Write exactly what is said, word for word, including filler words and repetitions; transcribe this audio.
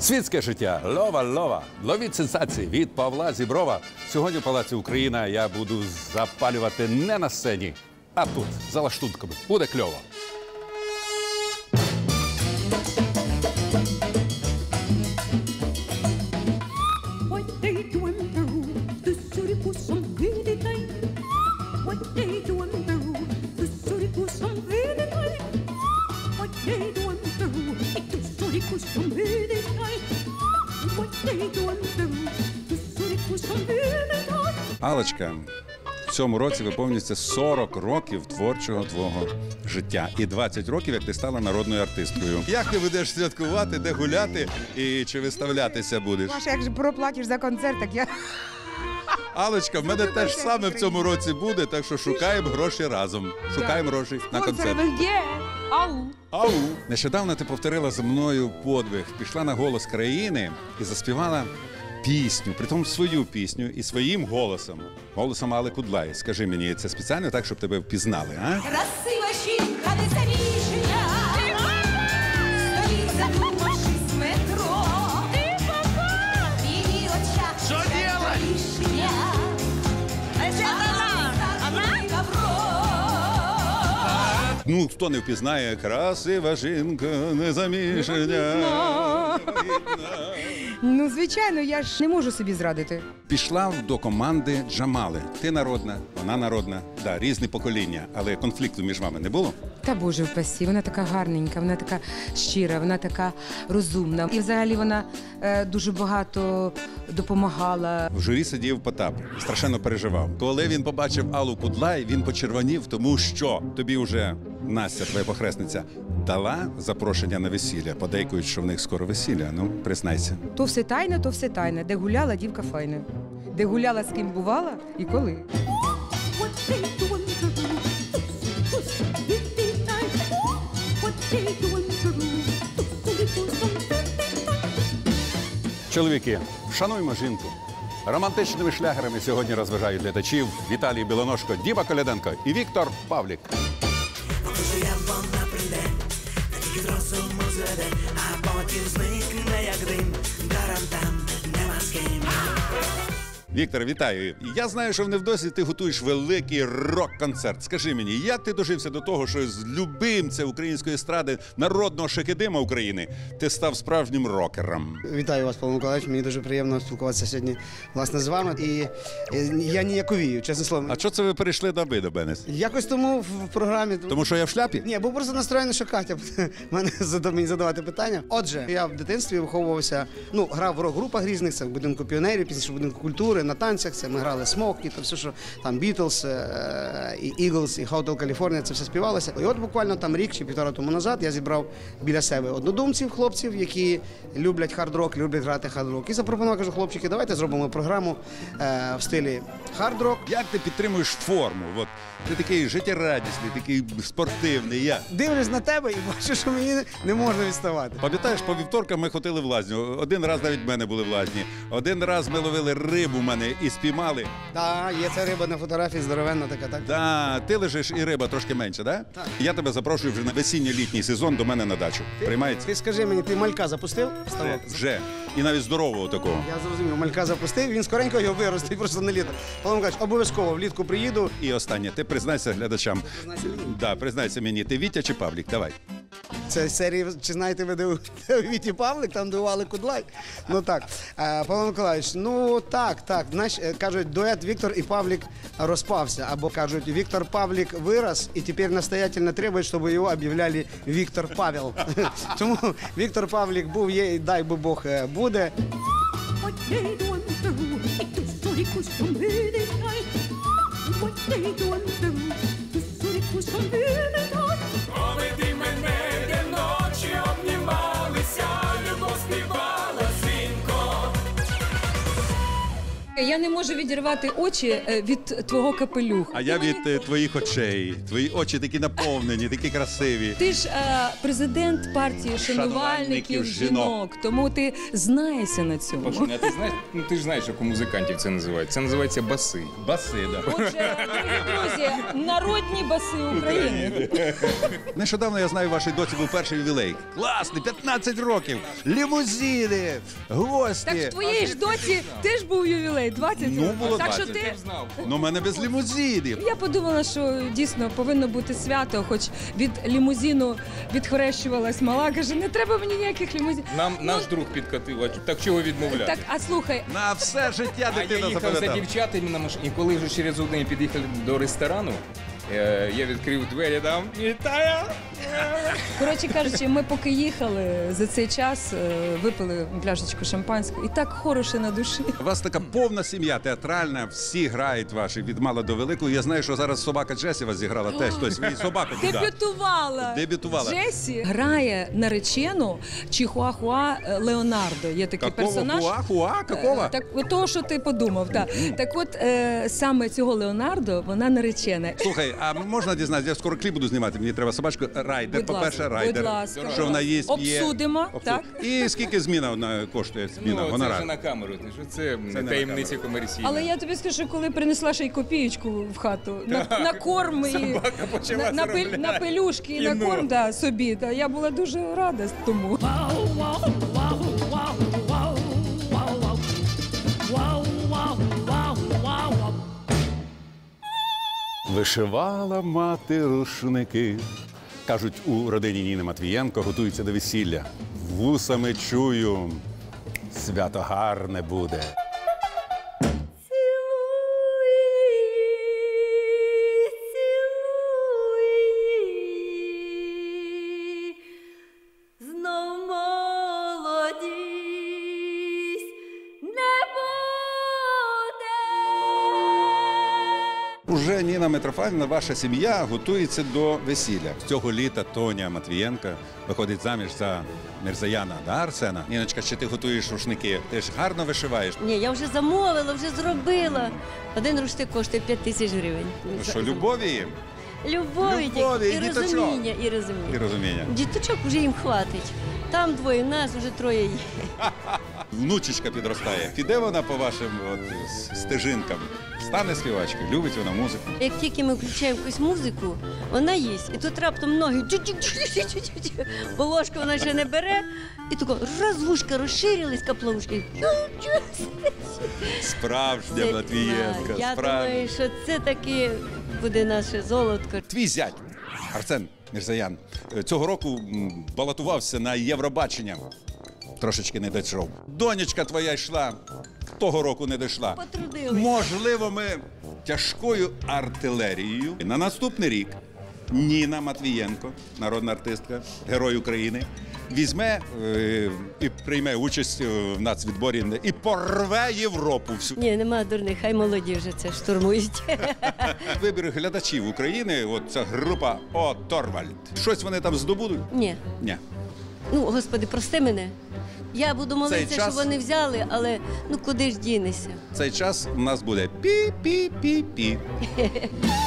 Світське життя, лова-лова, ловіть сенсації від Павла Зіброва. Сьогодні в Палаці Україна я буду запалювати не на сцені, а тут, за лаштунками. Буде кльово. Аллочка, в цьому році виповнюється сорок років творчого твого життя. І двадцять років, як ти стала народною артисткою. Як ти будеш святкувати, де гуляти і чи виставлятися будеш? Маша, як же проплатиш за концерт, так я... Аллочка, в мене теж саме в цьому році буде, так що шукаємо гроші разом. Шукаємо гроші на концерт. Ау! Ау! Нещодавно ти повторила за мною подвиг, пішла на «Голос країни» і заспівала пісню, притом свою пісню і своїм голосом. Голосом Алли Кудлай. Скажи мені, це спеціально так, щоб тебе впізнали, а? Красива жінка незаміжня, стоїть, задумавшись, в метро. В її очах чекає рішення. Ну, хто не впізнає, красива жінка незаміжня. Ну, звичайно, я ж не можу собі зрадити. Пішла до команди Джамали. Ти народна, вона народна. Да, різні покоління, але конфлікту між вами не було? Та Боже впасі, вона така гарненька, вона така щира, вона така розумна. І взагалі вона е, дуже багато допомагала. В журі сидів Потап, страшенно переживав. Коли він побачив Аллу Кудлай, він почервонів, тому що тобі вже Настя, твоя похресниця, дала запрошення на весілля. Подейкують, що в них скоро весілля. Ну, признайся. То все тайне, то все тайне. Де гуляла, дівка файна. Де гуляла, з ким бувала і коли. Чоловіки, шануймо жінку. Романтичними шлягерами сьогодні розважають глядачів Віталій Білоножко, Діма Коляденко і Віктор Павлік. Віктор, вітаю. Я знаю, що в невдовзі ти готуєш великий рок-концерт. Скажи мені, як ти дожився до того, що з любимця української естради, народного шекедима України, ти став справжнім рокером? Вітаю вас, Павло Миколаївич. Мені дуже приємно спілкуватися сьогодні, власне, з вами. І я ніяковію, чесне слово. А що це ви перейшли до ви до мене? Якось тому в програмі... Тому що я в шляпі? Ні, був просто настроєний, що Катя мене мені задавати питання. Отже, я в дитинстві виховувався, ну, грав в рок-групах різних, це в будинку піонерів, пізніше в будинку культури, на танцях, це ми грали Смокі, то все, що там Бітлз, і Eagles, і Hotel California, це все співалося. І от буквально там рік чи півтора тому назад я зібрав біля себе однодумців, хлопців, які люблять хард-рок, люблять грати хард-рок. І запропонував, кажу, хлопчики, давайте зробимо програму е, в стилі хард-рок. Як ти підтримуєш форму? От, ти такий життєрадісний, такий спортивний. Я. Дивлюсь на тебе і бачу, що мені не можна відставати. Пам'ятаєш, по вівторкам ми ходили в лазню. Один раз навіть в мене були в лазні. Один раз ми ловили рибу в мене і спіймали. Так, є ця риба на фотографії, здоровенна така, так? Да, ти лежиш і риба трошки менше, да? Так. Я тебе запрошую вже на весінньо-літній сезон до мене на дачу. Приймається? Ти скажи мені, ти малька запустив? Ставок? Вже. І навіть здорового такого. Я зрозумів, малька запустив, він скоренько його виростить просто на літо. Павло Миколаївич, обов'язково влітку приїду. І останнє, ти признайся глядачам. Признайся мені. Да, признайся мені, ти Вітя чи Павлік? Давай. Це серії, чи знаєте ви, де у Віті Павлик, там де у Алли Кудлай. Ну так, а, Павло Миколаївич, ну так, так, знаєш, кажуть, дует Віктор і Павлік розпався, або кажуть, Віктор Павлік вирос і тепер настоятельно требують, щоб його об'являли Віктор Павел. Тому Віктор Павлік був, є і дай би Бог буде. Поведи мене, де ночі обнімалися, любов співала дзвінко. Я не можу відірвати очі е, від твого капелюха. А я від е, твоїх очей. Твої очі такі наповнені, такі красиві. Ти ж е, президент партії шанувальників Шанувальників жінок, жінок. тому ти знаєшся на цьому. Пашуня, а ти знаєш, ну ти ж знаєш, як у музикантів це називається. Це називається баси. Баси, да. Отже, дорогі друзі, народні баси України. Нещодавно, я знаю, вашій доці був перший ювілей. Класний, п'ятнадцять років, лімузини, гості. Так в твоїй ж доці теж був ювілей, двадцять. Ну, було так що двадцять. ти... Ну, в мене без лімузинів. Я подумала, що дійсно повинно бути свято, хоч від лімузину відхрещувалась мала, каже, не треба мені ніяких лімузинів. Нам наш друг підкатив, а так чого відмовляти? Так, а слухай, На все життя А я дитина їхав за запам'ятала. дівчатами на машині, і коли вже через один під'їхали до ресторану, е, я відкрив двері, там, вітаю! коротше кажучи, ми поки їхали за цей час, е, випили пляшечку шампанського, і так хороше на душі. У вас така повна сім'я, театральна, всі грають ваші, від мала до великого. Я знаю, що зараз собака Джесі вас зіграла теж, хтось свій собаку туди. Дебютувала. Дебютувала. Джесі грає наречену Чихуахуа Леонардо. Є такий Какого персонаж. хуа? Хуа? Какого? Е, Так, от того, що ти подумав, так. Так от, е, саме цього Леонардо, вона наречена. Слухай, а можна дізнатися, я скоро кліп буду знімати, мені треба собачку. Райдер, Будь по-перше, ласка, райдер. будь ласка, Що вона є, п'є. Обсудимо, так? І скільки зміна вона коштує? Зміна, Ну, це гонорар? вже на камеру, ти що це, не на таємниці комерційні. Але я тобі скажу, коли принесла ще й копієчку в хату, на, на корм і Собака почала на, на, пель- заробляти. на пелюшки, і на Кіно. корм да, собі. Да. Я була дуже рада тому. Вишивала мати рушники. Кажуть, у родині Ніни Матвієнко готуються до весілля. Вусами чую, свято гарне буде. Знов молодість не буде. Уже Ніна Митрофанівна, ваша сім'я готується до весілля. З цього літа Тоня Матвієнка виходить заміж за Мірзаяна, да, Арсена? Ніночка, чи ти готуєш рушники? Ти ж гарно вишиваєш. Ні, я вже замовила, вже зробила. Один рушник коштує п'ять тисяч гривень. Ну що, любові їм? Любові, Любові, і і діточок. розуміння, і І розуміння. розуміння. Діточок вже їм хватить. Там двоє, нас вже троє є. Внучечка підростає. Піде вона по вашим от, с- стежинкам? Стане співачкою? Любить вона музику? Як тільки ми включаємо якусь музику, вона їсть. І тут раптом ноги чу-чу-чу-чу-чу-чу. Бо ложку вона ще не бере. І тако раз вушка розширились, капловушки. Справжня Матвієнка, Я справжня. думаю, що це таки буде наше золотко. Твій зять Арсен Мірзаян цього року м, балотувався на Євробачення. Трошечки не дійшов. Донечка твоя йшла, того року не дійшла. Потрудились. Можливо, ми тяжкою артилерією на наступний рік Ніна Матвієнко, народна артистка, герой України, візьме е, і прийме участь е, в нацвідборі і порве Європу всю. Ні, нема дурних, хай молоді вже це штурмують. Вибір глядачів України, от ця група О Торвальд. Щось вони там здобудуть? Ні. Ні. Ну, господи, прости мене. Я буду молитися, час- щоб вони взяли, але ну куди ж дінешся? Цей час у нас буде пі-пі-пі-пі.